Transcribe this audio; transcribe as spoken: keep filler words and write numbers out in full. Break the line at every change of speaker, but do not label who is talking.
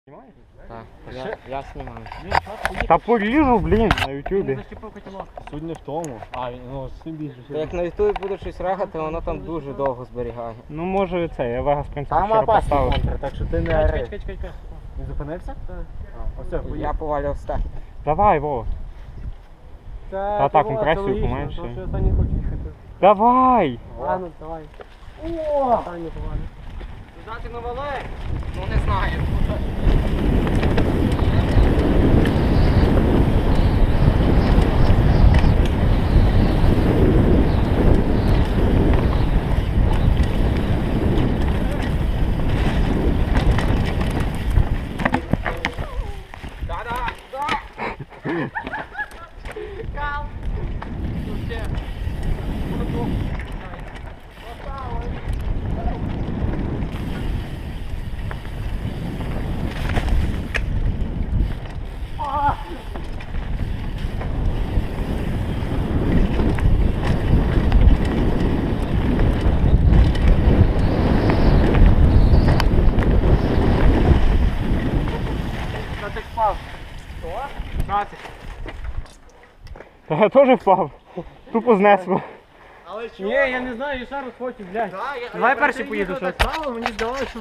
Так, я, я знімаю.
Та поріжу, блін, на ютубі.
Суть не в тому. А, ну, суть більше.
Та як на ютубі буде щось рахати, воно там дуже довго зберігає.
Ну може це, я Вегас принцип
Там
вчора
опасний
поставив.
контр, так що ти не
Чекай,
ори.
чекай, чекай, чекай.
Він зупинився? Так. Оце,
Я
поїхав.
повалював стек.
Давай, Вова. Та так, компресію поменше.
Тому що останній хочу їхати.
Давай!
Ладно, давай.
О!
Останній повалю.
Дати на вале? Ну не знаю.
Та я теж впав. Тупо знесло.
Ні, я не знаю, я ще раз хочу, блядь. Давай перший поїду щось.
Мені здавалося, що